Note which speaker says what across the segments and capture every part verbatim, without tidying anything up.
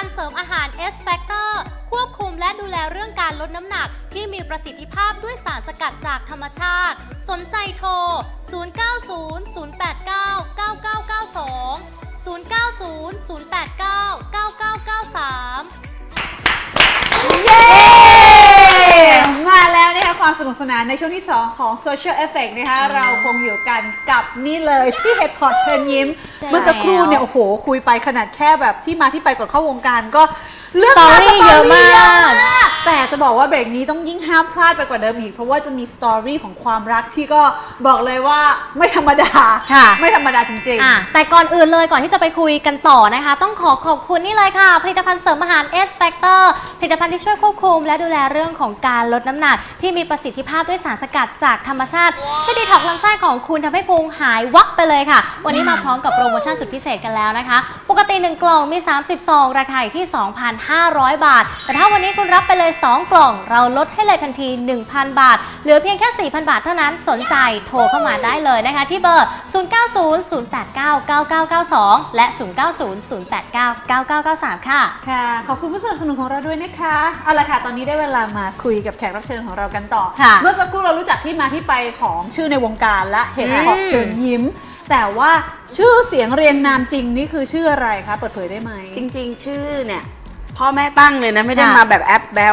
Speaker 1: เสริมอาหาร เอส Factor ควบคุมและดูแลเรื่องการลดน้ำหนักที่มีประสิทธิภาพด้วยสารสกัดจากธรรมชาติสนใจโทร ศูนย์ เก้า ศูนย์ ศูนย์ แปด เก้า เก้า เก้า เก้า สอง ศูนย์ เก้า ศูนย์ ศูนย์ แปด เก้า เก้า เก้า เก้า สาม
Speaker 2: เย้มาแล้วนะคะความสนุกสนานในช่วงที่สองของ Social Effect นะคะเราคงอยู่กันกับนี่เลยพี่เห็ดพอเชิญยิ้มเมื่อสักครู่เนี่ยโอ้โหคุยไปขนาดแค่แบบที่มาที่ไปก่อนเข้าวงการก็เรื่อง
Speaker 1: สตอรี่เยอะมาก
Speaker 2: แต่จะบอกว่าเบรกนี้ต้องยิ่งห้ามพลาดไปกว่าเดิมอีกเพราะว่าจะมีสตอรี่ของความรักที่ก็บอกเลยว่าไม่ธรรมดา
Speaker 1: ค่ะ
Speaker 2: ไม่ธรรมดาจริง
Speaker 1: อ่ะแต่ก่อนอื่นเลยก่อนที่จะไปคุยกันต่อนะคะ ต้องขอขอบคุณนี่เลยค่ะผลิตภัณฑ์เสริมอาหาร เอส Factor ผลิตภัณฑ์ที่ช่วยควบคุมและดูแลเรื่องของการลดน้ำหนักที่มีประสิทธิภาพด้วยสารสกัดจากธรรมชาติช่วยดีท็อกซ์ลำไส้ของคุณทำให้พุงหายวับไปเลยค่ะ วันนี้มาพร้อมกับโปรโมชั่นสุดพิเศษกันแล้วนะคะปกติหนึ่งกล่องมีสามสิบซองราคาอยู่ที่ สองพันห้าร้อย บาทแต่ถ้าวันนี้คุณรับไปเลยสองกล่องเราลดให้เลยทันที หนึ่งพัน บาทเหลือเพียงแค่ สี่พัน บาทเท่านั้นสนใจโทรเข้ามาได้เลยนะคะที่เบอร์ ศูนย์ เก้า ศูนย์ ศูนย์ แปด เก้า เก้า เก้า เก้า สอง และ ศูนย์ เก้า ศูนย์ ศูนย์ แปด เก้า เก้า เก้า เก้า สาม ค่ะ
Speaker 2: ๆค่ะขอบคุณผู้สนับสนุนของเราด้วยนะคะเอาละค่ะตอนนี้ได้เวลามาคุยกับแขกรับเชิญของเรากันต่อ
Speaker 1: ค่ะ
Speaker 2: เมื่อสักครู่เรารู้จักที่มาที่ไปของชื่อในวงการและเห็ดเพาะ
Speaker 1: อืม
Speaker 2: เชิญยิ้ม แต่ว่าชื่อเสียงเรียงนามจริงนี่คือชื่ออะไรคะเปิดเผยได้ไหม
Speaker 3: จริงๆ ชื่อเนี่ยพ่อแม่ตั้งเลยนะไม่ได้
Speaker 1: ค่ะ
Speaker 3: มาแบบแอปแบล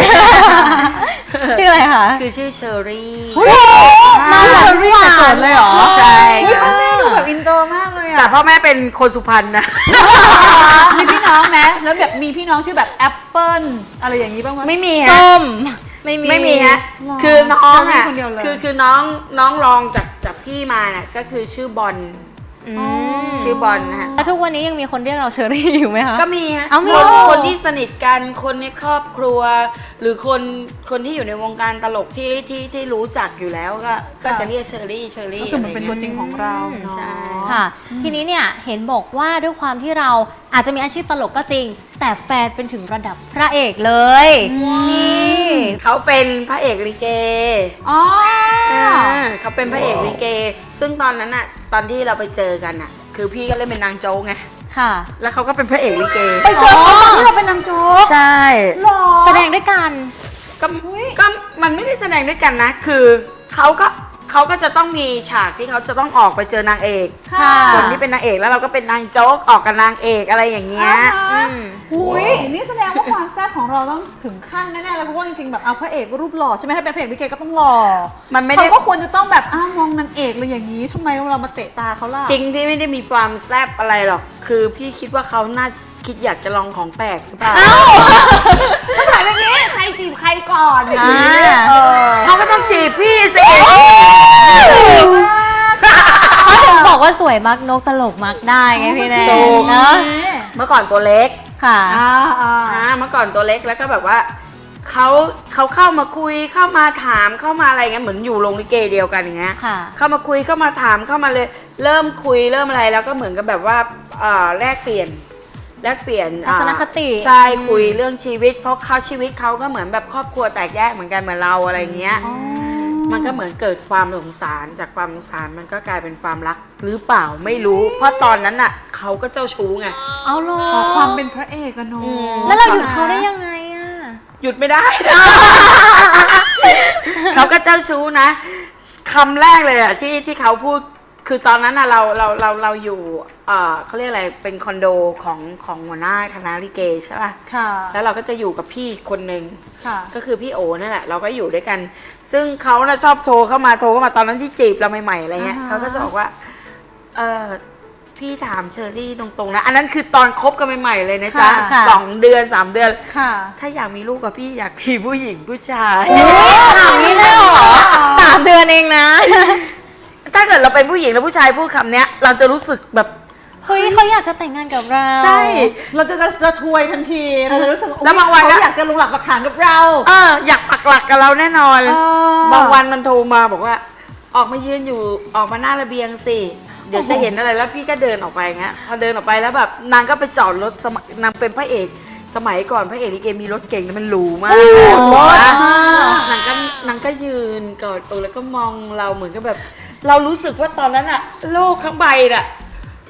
Speaker 1: ชื่ออะไรคะ
Speaker 3: คือชื่อเชอรี่
Speaker 2: มาเชอรี่แต่เกิดเลยเหรอ
Speaker 3: ใช่
Speaker 2: เฮ้ยพ่อแม่ดูแบบอินโตรมากเลย
Speaker 3: แต่
Speaker 2: อะ
Speaker 3: พ่อแม่เป็นคนสุพรรณนะ
Speaker 2: มีพี่น้องไหมแล้วแบบมีพี่น้องชื่อแบบแอปเปิ้ลอะไรอย่างนี้บ้างไหม
Speaker 3: ไม่มีฮะ
Speaker 1: ส้มไม่มี
Speaker 3: ไม่มีฮะ
Speaker 2: หรอ
Speaker 3: คือน้องอ่ะ
Speaker 2: เชอรี่คนเดียวเลย
Speaker 3: คือคือน้องน้องรองจากจากพี่มาเนี่ยก็คือชื่อบอล
Speaker 1: อืม
Speaker 3: ชื่อบอลนะฮะ
Speaker 1: แล้วทุกวันนี้ยังมีคนเรียกเราเชอรี่อยู่ไหมคะ
Speaker 3: ก็มีฮะ
Speaker 1: เอามี
Speaker 3: คนคนที่สนิทกันคนในครอบครัว หรือคนคนที่อยู่ในวงการตลกที่ที่ที่รู้จักอยู่แล้วก็ก็จะเรียกเชอรี่เชอ
Speaker 2: ก็
Speaker 3: รี่
Speaker 2: คือมันเป็น
Speaker 3: อะไร
Speaker 2: ตัว
Speaker 3: งี้ย
Speaker 2: จริงของเราเนอะ
Speaker 3: ใช่
Speaker 1: ค่ะ ทีนี้เนี่ยเห็นบอกว่าด้วยความที่เราอาจจะมีอาชีพตลกก็จริง แต่แฟนเป็นถึงระดับพระเอกเลยนี่
Speaker 3: เขาเป็นพระเอกลิเก
Speaker 2: อ๋อ
Speaker 3: อ่าเขาเป็นพระเอกลิเก ซึ่งตอนนั้นอะตอนที่เราไปเจอกันอะคือพี่ก็เล่นเป็นนางโจ๊กไง
Speaker 1: ค่ะ
Speaker 3: แล้วเขาก็เป็นพระเอกลิเก
Speaker 2: ไปเจอเขาตอนที่เราเป็นนางโจ๊ก
Speaker 3: ใช่
Speaker 2: หรอ
Speaker 1: แสดงด้วยกัน
Speaker 3: ก็ก็มันไม่ได้แสดงด้วยกันนะ คือเขาก็เขาก็จะต้องมีฉากที่เขาจะต้องออกไปเจอนางเอก
Speaker 2: ค่ะ
Speaker 3: คนที่เป็นนางเอกแล้วเราก็เป็นนางโจ๊กออกกับนางเอกอะไรอย่างเงี้ย
Speaker 2: อ่าฮะ
Speaker 1: อืม
Speaker 2: หุยนี่แสดงว่าความแซ่บของเราต้องถึงขั้นแน่ๆเลยเพราะว่าจริงๆแบบเอาพระเอกรูปหล่อใช่ไหมถ้าเป็นพระเอกลิเกก็ต้องหล่อ
Speaker 3: มันไม่ได้
Speaker 2: เขาก็ควรจะต้องแบบอ้าวมองนางเอกเลยอย่างนี้ทำไมเรามาเตะตาเขาล่ะ
Speaker 3: จริงที่ไม่ได้มีความแซ่บอะไรหรอก คือพี่คิดว่าเขาน่าคิดอยากจะลองของแปลกหรือเปล่า
Speaker 2: ถ้าถามอย่างนี้ใครจีบใครก่อนอย่างนี้
Speaker 1: อ่า
Speaker 2: เออ
Speaker 3: เขาก็ต้องจีบพี่สิ
Speaker 1: เขาถึงบอกว่าสวยมักนกตลกมักได้ไงพี่แนน
Speaker 3: ถูก
Speaker 1: เนาะ
Speaker 3: เมื่อก่อนตัวเล็ก
Speaker 1: ค่ะ
Speaker 2: อ่าอ่า
Speaker 3: อ่าเมื่อก่อนตัวเล็กแล้วก็แบบว่าเขาเขาเข้ามาคุยเข้ามาถามเข้ามาอะไรเงี้ยเหมือนอยู่โรงลิเกเดียวกันอย่างเงี้ย
Speaker 1: ค่ะ
Speaker 3: เข้ามาคุยเข้ามาถามเข้ามาเลยเริ่มคุยเริ่มอะไรแล้วก็เหมือนกับแบบว่าเอ่อแลกเปลี่ยนแลกเปลี่ยน
Speaker 1: ทัศนคติ
Speaker 3: อ่าใช่
Speaker 1: อืม
Speaker 3: คุยเรื่องชีวิต เพราะเขาชีวิตเขาก็เหมือนแบบครอบครัวแตกแยกเหมือนกันเหมือนเราอะไรเงี้ย มันก็เหมือนเกิดความสงสารจากความสงสารมันก็กลายเป็นความรักหรือเปล่าไม่รู้ เพราะตอนนั้นน่ะเขาก็เจ้าชู้ไง
Speaker 1: เอาเหรอ
Speaker 2: ขอความเป็นพระเอกอะเนาะ
Speaker 3: อืม
Speaker 1: แล้วเราหยุดเขาได้ยังไงอะ
Speaker 3: หยุดไม่ได้ เขาก็เจ้าชู้นะคำแรกเลยอะที่ที่เขาพูดคือตอนนั้นอะเราเราเราเราอยู่เอ่อเขาเรียกอะไรเป็นคอนโดของของหัวหน้าคณะลิเกใช่ป่ะ
Speaker 2: ค่ะ
Speaker 3: แล้วเราก็จะอยู่กับพี่คนหนึ่ง
Speaker 2: ค่ะ
Speaker 3: ก็คือพี่โอนั่นแหละเราก็อยู่ด้วยกัน ซึ่งเขาน่ะชอบโทรเข้ามาโทรเข้ามาตอนนั้นที่จีบเราใหม่ๆอะไรเงี้ย
Speaker 2: อ่าฮะ
Speaker 3: เขาก็จะบอกว่าเออพี่ถามเชอรี่ตรงๆนะอันนั้นคือตอนคบกันใหม่ๆเลยนะจ๊ะ
Speaker 1: ค่ะ
Speaker 3: สองเดือนสามเดือน
Speaker 2: ค่ะ
Speaker 3: ถ้าอยากมีลูกกับพี่อยากมีผู้หญิงผู้ชาย
Speaker 1: ถามนี้เลยเหรอสามเดือนเองนะ
Speaker 3: ถ้าเกิดเราเป็นผู้หญิงแล้วผู้ชายพูดคำเนี้ย เราจะรู้สึกแบบ
Speaker 1: เฮ้ยเขาอยากจะแต่งงานกับเรา
Speaker 3: ใช่
Speaker 2: เราจะระทวยทันทีเราจะรู้สึก
Speaker 3: แล้วบางวันก็
Speaker 2: เขาอยากจะลงหลักปักฐานกับเรา
Speaker 3: เอออยากปักหลักกับเราแน่นอน
Speaker 2: เออ
Speaker 3: บางวันมันโทรมาบอกว่า ออกมายืนอยู่ออกมาหน้าระเบียงสิเดี๋ยวจะเห็นอะไรแล้วพี่ก็เดินออกไปเงี้ยพอเดินออกไปแล้วแบบนางก็ไปจอดรถสมัยนางเป็นพระเอกสมัยก่อนพระเอกลิเกมีรถเก่งนะมันหรูมาก
Speaker 2: รถ
Speaker 3: นะ
Speaker 2: มาก
Speaker 3: นางก็นางก็ยืนกอดอกแล้วก็มองเราเหมือนกับแบบ เรารู้สึกว่าตอนนั้นอะโลกทั้งใบน่ะ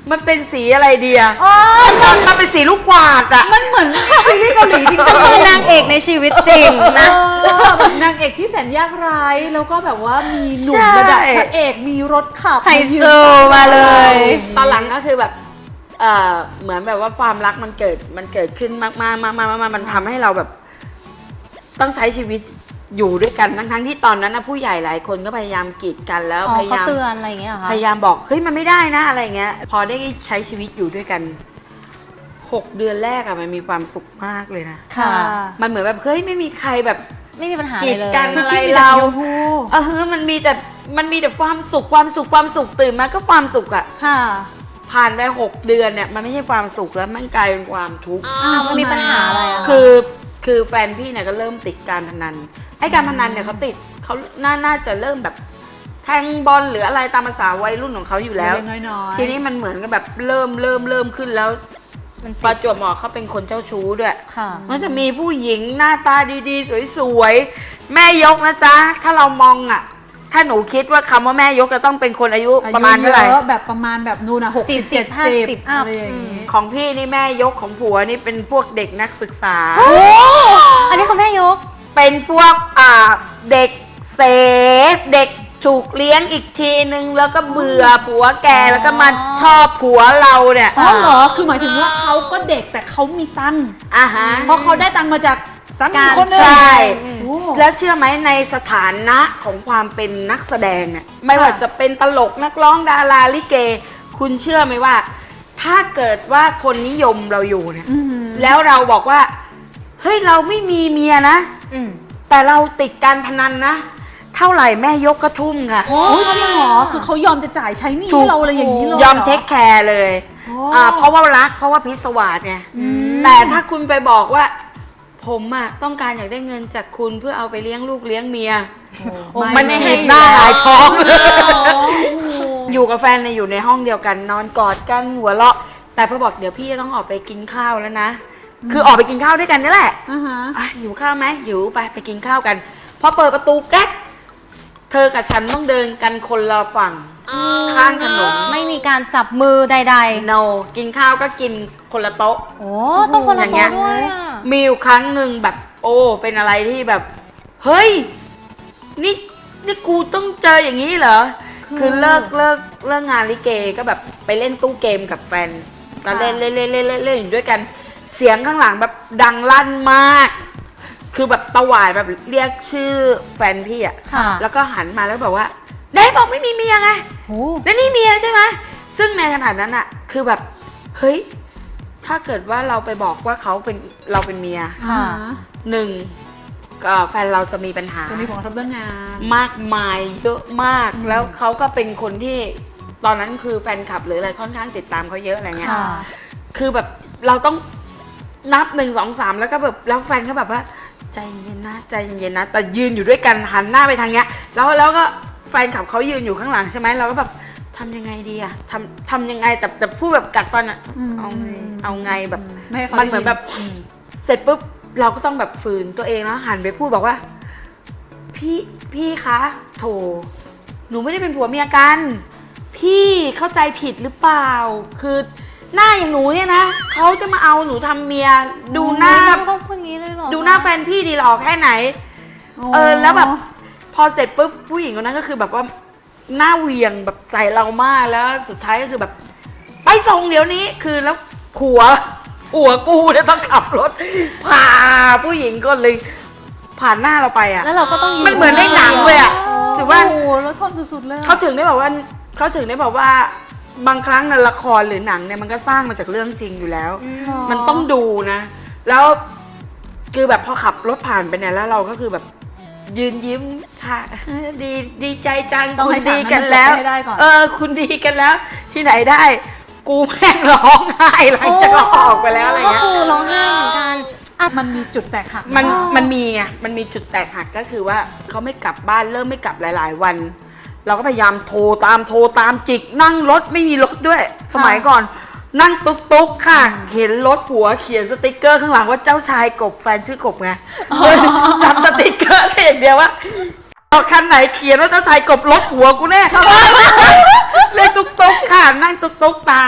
Speaker 3: มันเป็นสีอะไรดีอะ
Speaker 2: อ๋อ
Speaker 3: มันเป็นสีลูกกวาดอะ
Speaker 2: มันเหมือนซีรีส์เกาหลีจริง
Speaker 1: ฉันคือนางเอกในชีวิตจริงนะ
Speaker 2: เออแบบนางเอกที่แสนยากไร้แล้วก็แบบว่ามีหนุ่ม
Speaker 3: ใช่
Speaker 2: ระดับพระเอกมีรถขับ
Speaker 1: ไฮโซมาเลย
Speaker 3: ตอนหลังก็คือแบบเอ่อเหมือนแบบว่าความรักมันเกิดมันเกิดขึ้นมากๆมากๆมากๆมันทำให้เราแบบ ต้องใช้ชีวิตอยู่ด้วยกันทั้งๆที่ตอนนั้นนะผู้ใหญ่หลายคนก็พยายามกีดกันแล้ว
Speaker 1: อ๋อ
Speaker 3: พยา
Speaker 1: เขา
Speaker 3: ยาม
Speaker 1: เตือนอะไรอย่างเงี้ยเหรอคะ
Speaker 3: พยายามบอกเฮ้ยมันไม่ได้นะอะไรเงี้ย พอได้ใช้ชีวิตอยู่ด้วยกันหกเดือนแรกอะมันมีความสุขมากเลยนะ
Speaker 2: ค่ะ
Speaker 3: มันเหมือนแบบเฮ้ยไม่มีใครแบบ
Speaker 1: ไม่มีปัญหา
Speaker 3: กี
Speaker 1: เลย
Speaker 3: ด
Speaker 1: เลย
Speaker 3: กัน
Speaker 2: คือ
Speaker 3: อะไร
Speaker 2: คิดมีแต่
Speaker 3: เรา
Speaker 2: สีชมพู
Speaker 3: เออเฮ้ยมันมีแต่มันมีแต่ความสุขความสุขความสุขตื่นมาก็ความสุขอะ
Speaker 2: ค่ะ
Speaker 3: ผ่านไปหกเดือนเนี่ยมันไม่ใช่ความสุขแล้วมันกลายเป็นความทุกข์
Speaker 1: อ้าวมันมีปัญหาอะไรอะะ
Speaker 3: คือคือแฟนพี่เนี่ยก็เริ่มติดการพนันไอ้การพนันเนี่ยเขาติดเขาน่าน่าจะเริ่มแบบแทงบอลหรืออะไรตามภาษาวัยรุ่นของเขาอยู่แล้ว
Speaker 2: เล็กๆน้อยๆ
Speaker 3: ทีนี้มันเหมือนกับแบบเริ่มเริ่มเริ่มขึ้นแล้ว
Speaker 1: มัน
Speaker 3: ประจวบเหมาะเขาเป็นคนเจ้าชู้ด้วย
Speaker 1: ค่ะ
Speaker 3: มันจะมีผู้หญิงหน้าตาดีๆสวยๆแม่ยกนะจ๊ะถ้าเรามองอ่ะถ้าหนูคิดว่าคำว่าแม่ยกจะต้องเป็นคนอายุประมาณเท่าไหร่
Speaker 2: อยุยอะแบบประมาณแบบนู่นนะหกสิบ
Speaker 1: สี่สิ
Speaker 2: เจ็
Speaker 1: บ
Speaker 2: ด
Speaker 1: ห้า
Speaker 2: สิบ
Speaker 1: สิบอัพ
Speaker 2: อะไรอย่างนี้
Speaker 3: ของพี่นี่แม่ยกของผัวนี่เป็นพวกเด็กนักศึกษา
Speaker 1: อันนี้คุณแม่ยก
Speaker 3: เป็นพวกอ่าเด็กเสพเด็กถูกเลี้ยงอีกทีนึงแล้วก็เบื่อผัวแกแล้วก็มาชอบผัวเราเนี่ย
Speaker 2: อ๋อเหรอ คือหมายถึงว่าเขาก็เด็กแต่เขามีตังค์
Speaker 3: อ่าฮะ
Speaker 2: เพราะเขาได้ตังค์มาจากสามี
Speaker 1: การ
Speaker 2: คนหนึง
Speaker 3: ใช่
Speaker 2: โอ้
Speaker 3: แล้วเชื่อไหมในสถานะของความเป็นนักแสดงเนี่ยไม่ว่าจะเป็นตลกนักร้องดาราลิเก คุณเชื่อไหมว่า ถ้าเกิดว่าคนนิยมเราอยู่เนี่ย
Speaker 2: อื้อหือ
Speaker 3: แล้วเราบอกว่าเฮ้ยเราไม่มีเมียนะ
Speaker 1: อืม
Speaker 3: แต่เราติดการพนันนะ เท่าไหร่แม่ยกกระทุ่มค่ะ
Speaker 2: โอ้ยจริงเหรอ คือเขายอมจะจ่ายใช้หนี้
Speaker 3: ถู
Speaker 2: ให้
Speaker 3: ก
Speaker 2: เราอะไรอย่างนี้เลย
Speaker 3: ยอม
Speaker 2: หร
Speaker 3: เทคแคร์เลย
Speaker 2: โอ้
Speaker 3: อ่าเพราะว่ารักเพราะว่าพิศวาสไงแต่ถ้าคุณไปบอกว่า ผมอะต้องการอยากได้เงินจากคุณเพื่อเอาไปเลี้ยงลูกเลี้ยงเมีย
Speaker 2: โอ้
Speaker 3: มัน
Speaker 2: ไม่
Speaker 3: เห็น
Speaker 2: ให้
Speaker 3: หน้าหลายท้อง
Speaker 2: โอ้โห
Speaker 3: อยู่กับแฟนเนี่ยอยู่ในห้องเดียวกันนอนกอดกันหัวเราะ แต่พอบอกเดี๋ยวพี่จะต้องออกไปกินข้าวแล้วนะ คือออกไปกินข้าวด้วยกันนี่แหละ
Speaker 2: อ่าฮะ
Speaker 3: อ่ะหิวข้าวไหมหิวไปไปกินข้าวกันพอเปิดประตูแก๊กเธอกับฉันต้องเดินกันคนละฝั่งข้างถนน
Speaker 1: ไม่มีการจับมือใด
Speaker 3: no กินข้าวก็กินคนละโต๊ะ
Speaker 1: ๆ โอ้ต้องคนละ
Speaker 3: อย่างเงี้
Speaker 1: โต๊ะ
Speaker 3: ย
Speaker 1: ด้วยอ่ะ
Speaker 3: มีอยู่ครั้งหนึ่งแบบ โอ้เป็นอะไรที่แบบ เฮ้ย นี่นี่กูต้องเจออย่างนี้เหรอ
Speaker 2: คือ
Speaker 3: คือเลิกเลิกเลิกงานลิเกก็แบบไปเล่นตู้เกมกับแฟนตอนเล่นเล่นเล่นเล่นเล่นเล่นอยู่ด้วยกัน เสียงข้างหลังแบบดังลั่นมาก คือแบบตะหวาดแบบเรียกชื่อแฟนพี่อะ
Speaker 1: ค่ะ
Speaker 3: แล้วก็หันมาแล้วบอกว่าได้บอกไม่มีเมียไง
Speaker 1: โอ้
Speaker 3: แล้วนี่เมียใช่ไหมซึ่งในขณะนั้นอะคือแบบเฮ้ยถ้าเกิดว่าเราไปบอกว่าเขาเป็นเราเป็นเมีย
Speaker 1: ค่ะ
Speaker 3: หนึ่งก็แฟนเราจะมีปัญหา
Speaker 2: จะมีผลกระทบเรื่องงาน
Speaker 3: มากมายเยอะมาก แล้วเขาก็เป็นคนที่ตอนนั้นคือแฟนคลับหรืออะไรค่อนข้างติดตามเขาเยอะอะไรเงี้ย
Speaker 1: ค่ะ
Speaker 3: คือแบบเราต้องนับหนึ่งสองสามแล้วก็แบบแล้วแฟนก็แบบว่าใจเย็นนะใจเย็นนะแต่ยืนอยู่ด้วยกันหันหน้าไปทางเนี้ยแล้วแล้วก็แฟนคลับเขายืนอยู่ข้างหลังใช่ไหมเราก็แบบทำยังไงดีอะทำทำยังไงแต่แต่พูดแบบกัดฟันอะ
Speaker 2: อืม
Speaker 3: เอาไงเอาไงแบบ
Speaker 2: ไม่ให้เขา
Speaker 3: มันเหมือนแบบเสร็จปุ๊บเราก็ต้องแบบฝืนตัวเองแล้วหันไปพูดบอกว่า พี่พี่คะโถหนูไม่ได้เป็นผัวเมียกัน พี่เข้าใจผิดหรือเปล่า คือหน้าอย่างหนูเนี่ยนะเขาจะมาเอาหนูทำเมียดูหน้า
Speaker 1: ต้องต้องพูดงี้เลยเหรอ
Speaker 3: ดูหน้าแฟนพี่ดีหรอแค่ไหน เออแล้วแบบพอเสร็จปุ๊บผู้หญิงคนนั้นก็คือแบบว่าหน้าเหวียงแบบใส่เรามากแล้วสุดท้ายก็คือแบบ ไปส่งเดี๋ยวนี้คือแล้วผัวผัวกูเนี่ยต้องขับรถพาผู้หญิงก็เลยผ่านหน้าเราไปอ่ะ
Speaker 1: แล้วเราก็ต้องยื
Speaker 3: มันเหมือนในหนังเลยอะ ถือว่า
Speaker 2: โอ้โหแล้วทนสุดๆเลยอะ
Speaker 3: เขาถึงได้บอกว่าเขาถึงได้บอกว่าบางครั้งในละครหรือหนังเนี่ยมันก็สร้างมาจากเรื่องจริงอยู่แล้ว
Speaker 1: อืม
Speaker 3: มันต้องดูนะ แล้วคือแบบพอขับรถผ่านไปเนี่ยแล้วเราก็คือแบบยืนยิ้มค่ะ ดีดีใจจัง
Speaker 2: ต้อง
Speaker 3: คุ
Speaker 2: ให้
Speaker 3: ณ
Speaker 2: ฉาก
Speaker 3: ดี
Speaker 2: นั้น
Speaker 3: กัน
Speaker 2: มันจบ
Speaker 3: แล้ว
Speaker 2: ให้ได้ก่อน
Speaker 3: เออคุณดีกันแล้ว ที่ไหนได้ กูแม่งร้องไห้หลังจากเราออกไปแล้วอะไร
Speaker 1: ก็
Speaker 3: เงี้ย
Speaker 1: คือร้องไห้เหมือนกันอ่ะ
Speaker 2: มันมีจุดแตกหัก
Speaker 3: มัน
Speaker 1: อ๋อ
Speaker 3: มันมีไง มันมีจุดแตกหักก็คือว่าเขาไม่กลับบ้านเริ่มไม่กลับหลาย ๆ วัน เราก็พยายามโทรตามโทรตามจิกนั่งรถไม่มีรถด้วย สมัยก่อน นั่งตุ๊กตุ๊กค่ะ เห็นรถผัวเขียนสติกเกอร์ข้างหลังว่าเจ้าชายกบแฟนชื่อกบไงจำสติกเกอร์ได้อย่างเดียวว่าคันไหนเขียนว่าเจ้าชายกบรถผัวกูแน่เรียกตุ๊กตุ๊กค่ะนั่งตุ๊กตุ๊กตาม
Speaker 2: โอ้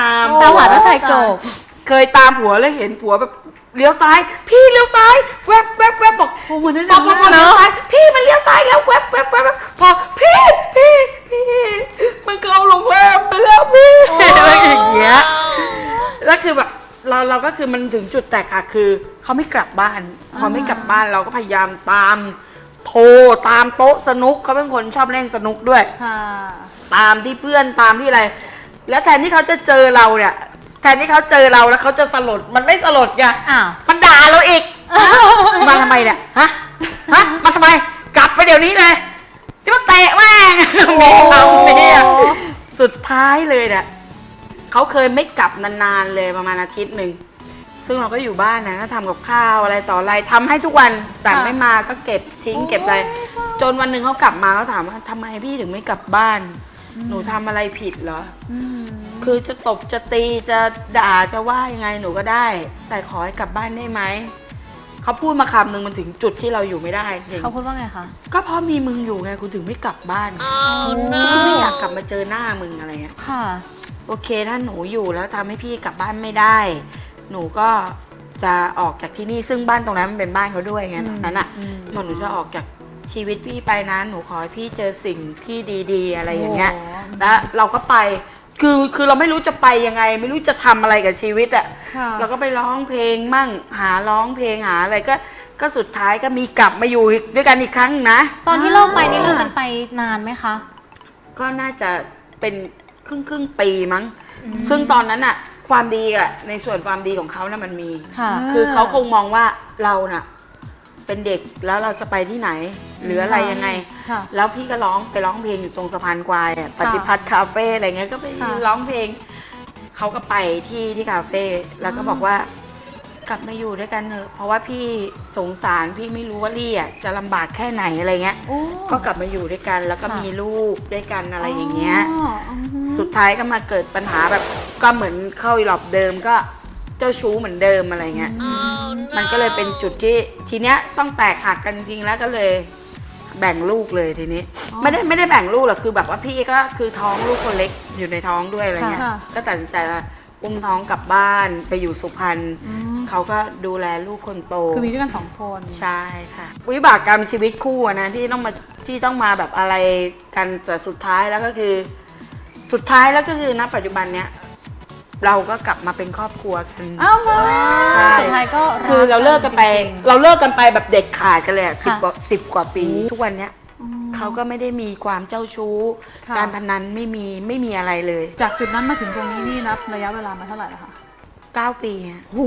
Speaker 1: ตามหาเจ้าชายกบ
Speaker 3: เคยตามผัวแล้วเห็นผัวแบบเลี้ยวซ้าย พี่เลี้ยวซ้ายแวบแวบแวบบอก
Speaker 2: โอ้เหมือนนั่น
Speaker 3: พอพอพอ
Speaker 2: เน
Speaker 3: เลี้ยว
Speaker 2: อะ
Speaker 3: ซ้ายพี่มันเลี้ยวซ้ายแล้วแวบแวบแวบแวบพอพี่พี่พี่มันก็เอาโรงแรมไปแล้วพี่อะไรอย่างเงี้ยแล้วคือแบบเราเราก็คือมันถึงจุดแตกค่ะคือเขาไม่กลับบ้านพอไม่กลับบ้านเราก็พยายามตามโทรตามโต๊ะสนุกเขาเป็นคนชอบเล่นสนุกด้วย
Speaker 2: ค่ะ
Speaker 3: ตามที่เพื่อนตามที่อะไร แล้วแทนที่เขาจะเจอเราเนี่ยแทนที่เขาเจอเราแล้วเขาจะสลดมันไม่สลดไง
Speaker 1: อ้าว
Speaker 3: มันด่าเราอีก มาทำไมเนี่ยฮะฮะมาทำไมกลับไปเดี๋ยวนี้เลยจะมาเตะแม่งมีคำนี้อะสุดท้ายเลยเนี่ยเขาเคยไม่กลับนานๆเลยประมาณอาทิตย์หนึ่งซึ่งเราก็อยู่บ้านนะก็ทำกับข้าวอะไรต่ออะไรทำให้ทุกวันแต่ไม่มาก็เก็บทิ้งเก็บอะไรจนวันหนึ่งเขากลับมาเขาถามว่าทำไมพี่ถึงไม่กลับบ้าน หนูทำอะไรผิดเหรอ คือจะตบจะตีจะด่าจะว่ายังไงหนูก็ได้ แต่ขอให้กลับบ้านได้ไหมเขาพูดมาคำหนึ่งมันถึงจุดที่เราอยู่ไม่ได้จริง
Speaker 1: เขาพูดว่าไงคะ
Speaker 3: ก็เพราะมีมึงอยู่ไงคุณถึงไม่กลับบ้านคุณไม่อยากกลับมาเจอหน้ามึงอะไรเงี้ย
Speaker 1: ค่ะ
Speaker 3: โอเคถ้าหนูอยู่แล้วทำให้พี่กลับบ้านไม่ได้ หนูก็จะออกจากที่นี่ซึ่งบ้านตรงนั้นมันเป็นบ้านเขาด้วยไงตอนนั้นอ่ะมันหนูจะออกจากชีวิตพี่ไปนะหนูขอให้พี่เจอสิ่งที่ดีๆ อะไรอย่างเงี้ย
Speaker 2: โอ้
Speaker 3: แล้วเราก็ไปคือคือเราไม่รู้จะไปยังไง ไม่รู้จะทำอะไรกับชีวิตอ่ะ
Speaker 2: ค่ะ
Speaker 3: เราก็ไปร้องเพลงมั่งหาร้องเพลงหาอะไรก็ก็สุดท้ายก็มีกลับมาอยู่ด้วยกันอีกครั้งนะ
Speaker 1: ตอนที่เลิกไปนี่เลิกกันไปนานไหมคะ
Speaker 3: ก็น่าจะเป็นครึ่งครึ่งปีมั้ง ซึ่งตอนนั้นอะความดีอะในส่วนความดีของเขานะ่ะมันมี
Speaker 1: ค่ะ
Speaker 3: คือเขาคงมองว่าเราน่ะเป็นเด็กแล้วเราจะไปที่ไหน หรืออะไรยังไง
Speaker 2: ค่ะ
Speaker 3: แล้วพี่ก็ร้องไปร้องเพลงอยู่ตรงสะพานควายอะปฏิพัฒน์คาเฟ่อะไรเงี้ยก็ไป
Speaker 2: ค่ะ
Speaker 3: ร้องเพลงเขาก็ไปที่ที่คาเฟ่แล้วก็บอกว่ากลับมาอยู่ด้วยกันเถอะเพราะว่าพี่สงสารพี่ไม่รู้ว่าลี่อะจะลำบากแค่ไหนอะไรเงี้ย
Speaker 2: โอ้
Speaker 3: ก็กลับมาอยู่ด้วยกันแล้วก็
Speaker 1: ค่ะ
Speaker 3: มีลูกด้วยกันอะไรอย่างเงี้ย
Speaker 2: อ๋ออือฮึ
Speaker 3: สุดท้ายก็มาเกิดปัญหาแบบก็เหมือนเข้าอีหลอบเดิมก็เจ้าชู้เหมือนเดิมอะไรเงี้ยมันก็เลยเป็นจุดที่ทีเนี้ยต้องแตกหักกันจริงๆแล้วก็เลยแบ่งลูกเลยทีนี้ ไม่ได้ไม่ได้แบ่งลูกหรอกคือแบบว่าพี่ก็คือท้องลูกคนเล็กอยู่ในท้องด้วยอะไรเงี้ย
Speaker 2: ค่ะ
Speaker 3: ก็ตัดสินใจว่าอุ้มท้องกลับบ้านไปอยู่สุพรรณ
Speaker 2: อืม
Speaker 3: เขาก็ดูแลลูกคนโต
Speaker 2: คือมีด้วยกันสองคน
Speaker 3: ใช่ค่ะวิบากกรรมชีวิตคู่อะนะที่ต้องมาที่ต้องมาแบบอะไรกันแต่สุดท้ายแล้วก็คือ สุดท้ายแล้วก็คือณปัจจุบันเนี้ยเราก็กลับมาเป็นครอบครัวกัน
Speaker 2: อ้าวมา
Speaker 3: ใช่
Speaker 1: สุดท้ายก็
Speaker 3: คือเราเลิกกันไป
Speaker 1: จริงๆ
Speaker 3: เราเลิกกันไปแบบเด็ดขาดกันเลยสิบ
Speaker 1: ค่ะ
Speaker 3: กว่าสิบกว่าปี ทุกวันเนี้ยเขาก็ไม่ได้มีความเจ้าชู้
Speaker 2: ค่ะ
Speaker 3: การพนันไม่มีไม่มีอะไรเลย
Speaker 2: จากจุดนั้นมาถึงตรงนี้นี่นับระยะเวลามาเท่าไหร่แล้วคะ
Speaker 3: เก้าปีอะ
Speaker 2: โห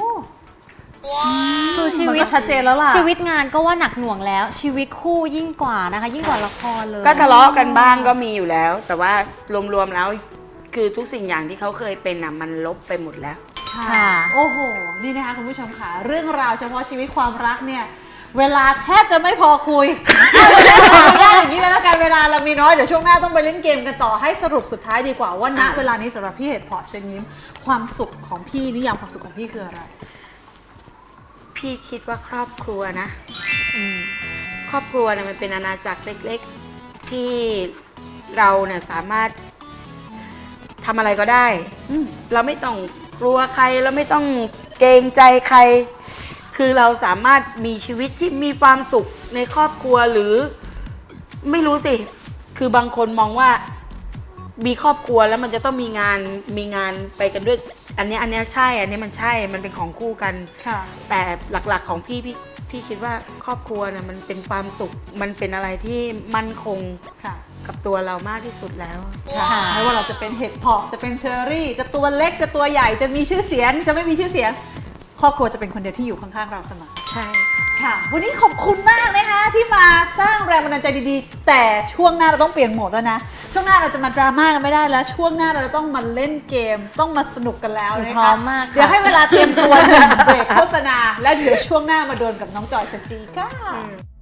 Speaker 1: คือชี
Speaker 2: มัน
Speaker 1: วิต
Speaker 2: ก็ชัดเจนแล้วล่ะ
Speaker 1: ชีวิตงานก็ว่าหนักหน่วงแล้ว ชีวิตคู่ยิ่งกว่านะคะ ยิ่งกว่าละครเลย
Speaker 3: ก็ทะเลาะกันบ้างก็มีอยู่แล้ว แต่ว่ารวมๆแล้วคือทุกสิ่งอย่างที่เขาเคยเป็นน่ะมันลบไปหมดแล้ว
Speaker 1: ค่ะ
Speaker 2: โอ้โห นี่นะคะคุณผู้ชมค่ะ เรื่องราวเฉพาะชีวิตความรักเนี่ย เวลาแทบจะไม่พอคุย เอาเวลาขออนุญาตอย่างนี้เลยแล้วกันเวลาเรามีน้อย เดี๋ยวช่วงหน้าต้องไปเล่นเกมกันต่อให้สรุปสุดท้ายดีกว่าว่าณ
Speaker 3: อ่ะ
Speaker 2: เวลานี้สำหรับพี่เห็ดเพาะเชิญยิ้ม ความสุขของพี่นิยามความสุขของพี่คืออะไร
Speaker 3: พี่คิดว่าครอบครัวนะครอบครัวเนี่ยมันเป็นอาณาจักรเล็กๆ ที่เราเนี่ยสามารถทำอะไรก็ได้
Speaker 2: อืม
Speaker 3: เราไม่ต้องกลัวใครเราไม่ต้องเกรงใจใคร คือเราสามารถมีชีวิตที่มีความสุขในครอบครัวหรือไม่รู้สิ คือบางคนมองว่ามีครอบครัวแล้วมันจะต้องมีงานมีงานไปกันด้วย อันเนี้ยอันเนี้ยใช่ อันนี้มันใช่ มันเป็นของคู่กัน
Speaker 2: ค่ะ
Speaker 3: แต่หลักๆของพี่พี่พี่คิดว่าครอบครัวเนี่ยมันเป็นความสุข มันเป็นอะไรที่มั่นคง
Speaker 2: ค่ะ
Speaker 3: กับตัวเรามากที่สุดแล้ว
Speaker 2: ค่ะไม่ว่าเราจะเป็นเห็ดเพาะจะเป็นเชอรี่ จะตัวเล็กจะตัวใหญ่จะมีชื่อเสียง จะไม่มีชื่อเสียง ครอบครัวจะเป็นคนเดียวที่อยู่ข้างๆเราเสมอ
Speaker 3: ใช่
Speaker 2: ค่ะ วันนี้ขอบคุณมากนะคะที่มาสร้างแรงบันดาลใจดีๆ แต่ช่วงหน้าเราต้องเปลี่ยนโหมดแล้วนะ ช่วงหน้าเราจะมาดราม่ากันไม่ได้แล้ว ช่วงหน้าเราจะต้องมาเล่นเกม ต้องมาสนุกกันแล้วนะคะ
Speaker 1: พร้อมมากค่ะ
Speaker 2: เดี๋ยวให้เวลาเตรียมตัวหนึ่งเบรกโฆษณา แล้วเดี๋ยวช่วงหน้ามาโดนกับน้องจอยสจีค่ะ